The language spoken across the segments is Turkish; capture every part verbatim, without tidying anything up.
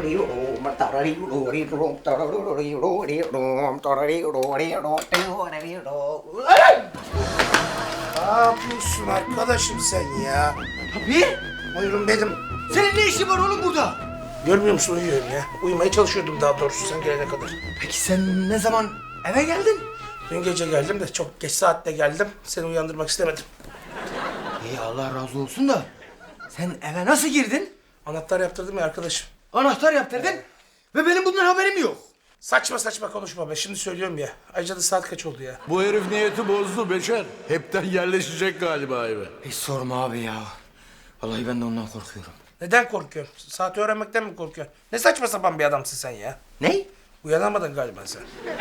Ne yapıyorsun arkadaşım sen ya? Tabii. Buyurun benim. Senin ne işin var oğlum burada? Görmüyor musun, uyuyorum ya. Uyumaya çalışıyordum daha doğrusu sen gelene kadar. Peki sen ne zaman eve geldin? Dün gece geldim de çok geç saatte geldim. Seni uyandırmak istemedim. İyi Allah razı olsun da sen eve nasıl girdin? Anahtar yaptırdım ya arkadaşım. Anahtar yaptırdın ve benim bundan haberim yok. Saçma saçma konuşma be. Şimdi söylüyorum ya. Ayrıca da saat kaç oldu ya? Bu herif niyeti bozdu Beşer. Hepten yerleşecek galiba eve. Hiç sorma abi ya. Vallahi ben de ondan korkuyorum. Neden korkuyorsun? Saati öğrenmekten mi korkuyorsun? Ne saçma sapan bir adamsın sen ya. Ne? Uyanamadın galiba sen.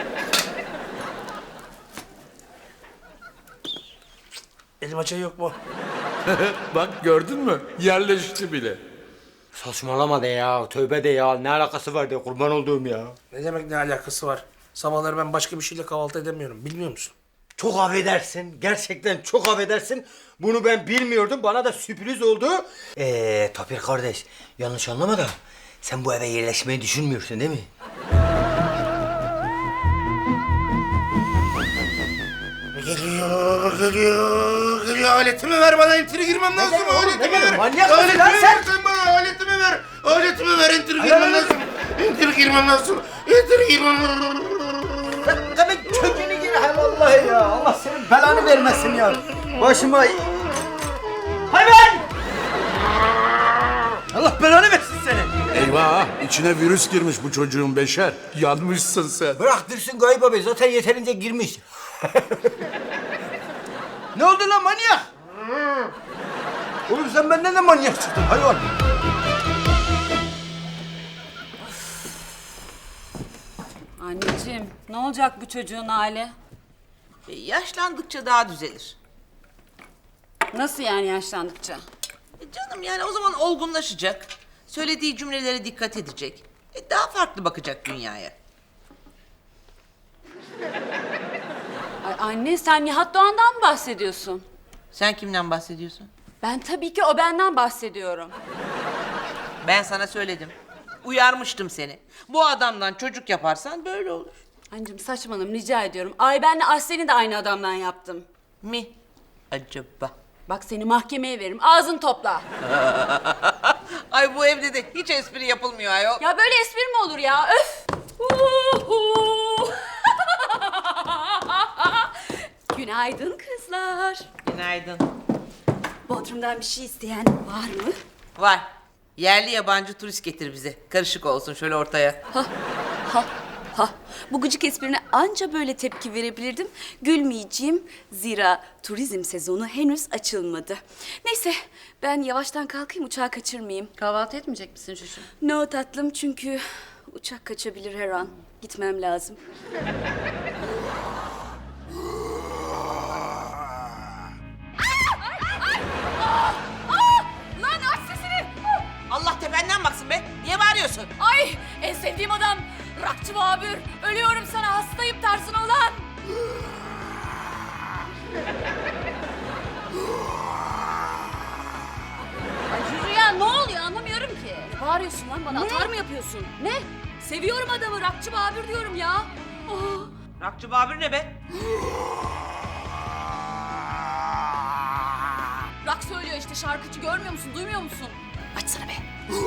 Elim açayı yok mu? Bak gördün mü? Yerleşti bile. Saçmalama de ya. Tövbe de ya. Ne alakası var de kurban olduğum ya. Ne demek ne alakası var? Sabahları ben başka bir şeyle kahvaltı edemiyorum. Bilmiyor musun? Çok affedersin. Gerçekten çok affedersin. Bunu ben bilmiyordum. Bana da sürpriz oldu. Ee, Tapir kardeş. Yanlış anlama da. Sen bu eve yerleşmeyi düşünmüyorsun değil mi? Geliyor, geliyor, geliyor. Aletimi ver bana, enteri girmem lazım. demek oğlum, Aletimi ne demek? ver. Manyak mısın Aletimi lan ver sen? sen bana, aletimi ver. Aletimi ver, enteri Hayır, girmem hayır. lazım. Enteri girmem lazım. Enteri girmem lazım. Demek kökünü gir. Hay vallahi ya. Allah senin belanı vermesin ya. Başıma... Hayvan! Allah belanı versin seni. Eyvah! İçine virüs girmiş bu çocuğun Beşer. Yanmışsın sen. Bırak dursun Gayip abi. Zaten yeterince girmiş. Ne oldu lan manyak? Oğlum sen benden de manyak çıktın hayvan. Anneciğim, ne olacak bu çocuğun hali? E, yaşlandıkça daha düzelir. Nasıl yani yaşlandıkça? E, canım yani o zaman olgunlaşacak. Söylediği cümlelere dikkat edecek. E, daha farklı bakacak dünyaya. Ay anne, sen Nihat Doğan'dan mı bahsediyorsun? Sen kimden bahsediyorsun? Ben tabii ki o benden bahsediyorum. Ben sana söyledim. Uyarmıştım seni. Bu adamdan çocuk yaparsan böyle olur. Anneciğim saçmalama rica ediyorum. Ay benle Aslen'i de aynı adamdan yaptım. Mi? Acaba? Bak seni mahkemeye veririm. Ağzını topla. Ay bu evde de hiç espri yapılmıyor ayol. Ya böyle espri mi olur ya? Öf! Uhu! Günaydın kızlar. Günaydın. Bodrum'dan bir şey isteyen var mı? Var. Yerli yabancı turist getir bize. Karışık olsun şöyle ortaya. Ha, ha, ha. Bu gıcık esprine anca böyle tepki verebilirdim. Gülmeyeceğim. Zira turizm sezonu henüz açılmadı. Neyse ben yavaştan kalkayım uçağı kaçırmayayım. Kahvaltı etmeyecek misin Şuşu? No tatlım çünkü uçak kaçabilir her an. Gitmem lazım. Lan aç sesini! Allah tependen baksın be. Niye bağırıyorsun? Ay en sevdiğim adam Rakçı Babür. Ölüyorum sana hastayım tarzın olan. Ay Jüri ya ne oluyor anlamıyorum ki. Ne bağırıyorsun lan bana atar mı yapıyorsun? Ne? Seviyorum adamı Rakçı Babür diyorum ya. Oh. Rakçı Babür ne be? Rak söylüyor işte şarkıcı görmüyor musun duymuyor musun? Açsana be.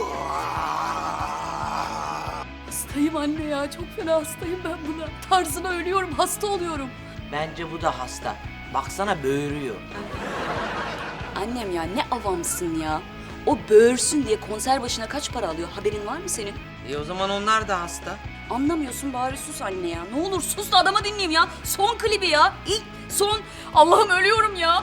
Hastayım anne ya çok fena hastayım ben buna. Tarzına ölüyorum hasta oluyorum. Bence bu da hasta. Baksana böğürüyor. Annem ya ne avamsın ya. O böğürsün diye konser başına kaç para alıyor haberin var mı senin? E o zaman onlar da hasta. Anlamıyorsun bari sus anne ya. Ne olur sus da adama dinleyeyim ya. Son klibi ya. İlk son. Allah'ım ölüyorum ya.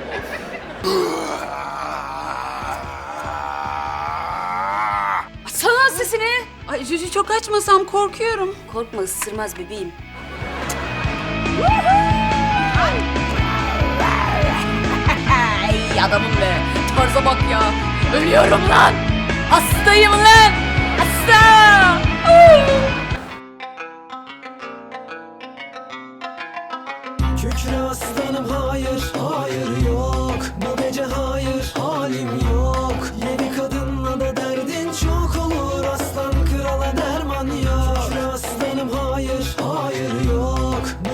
Açsana sesini. Ay Cücü çok açmasam korkuyorum. Korkma ısırmaz bebeğim. Ay adamım be. Tarza bak ya. Ölüyorum lan. Hastayım lan. Hasta. Kükre aslanım hayır, hayır yok. Bu gece hayır, halim yok. Yedi kadınla da derdin çok olur aslan kral. hayır, hayır yok.